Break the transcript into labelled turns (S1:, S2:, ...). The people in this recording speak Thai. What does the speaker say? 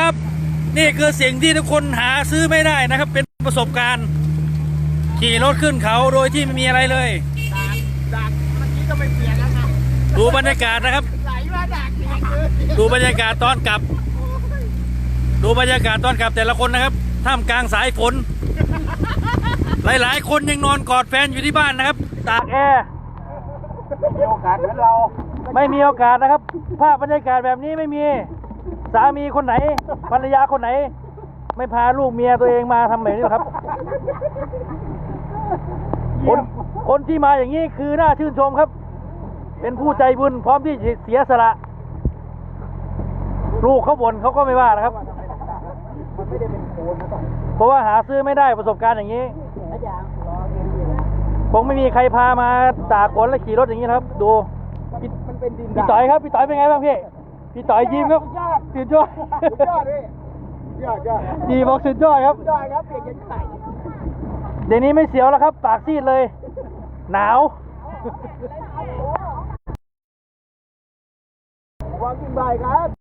S1: ครับนี่คือสิ่งที่ทุกคนหาซื้อไม่ได้นะครับ เป็นประสบการณ์ขี่รถขึ้นเขาโดยที่ไม่มีอะไรเลย
S2: ดักเมื่อกี้ก็ไม่เปลี่ยนแล้วครับ
S1: ดูบรรยากาศนะครับ
S2: ไหลมาดักอย่างเลย
S1: ดูบรรยากาศตอนกลับ ดูบรรยากาศตอนกลับแต่ละคนนะครับท่ามกลางสายฝนหลายๆคนยังนอนกอดแฟนอยู่ที่บ้านนะครับตากแอร์
S2: มีโอกาสเหมือนเรา
S1: ไม่มีโอกาสนะครับภาพบรรยากาศแบบนี้ไม่มีสามีคนไหนภรรยาคนไหนไม่พาลูกเมียตัวเองมาทำแบบนี้หรอกครับคนที่มาอย่างนี้คือน่าชื่นชมครับเป็นผู้ใจบุญพร้อมที่จะเสียสละลูกเขาบ่นเขาก็ไม่ว่านะครับ
S2: มันไม่ได้เป็นโคนนะต้อง
S1: เพราะว่าหาซื้อไม่ได้ประสบการณ์อย่างนี้คงไม่มีใครพามาตากฝนและขี่รถอย่างนี้ครับดู
S2: มันเป็นดิน
S1: พี่ต่อยครับพี่ต่อยเป็นไงบ้างพี่ต่อยยิ้มครับสุดยอด
S2: พี่ยอด
S1: ดีบอกสุดยอดครับ
S2: ยอดครับเปลี่ยนกันไข่
S1: เดี๋ยวนี้ไม่เสียวแล้วครับปากซีดเลยหนาว
S2: วางกินบ่ายครับ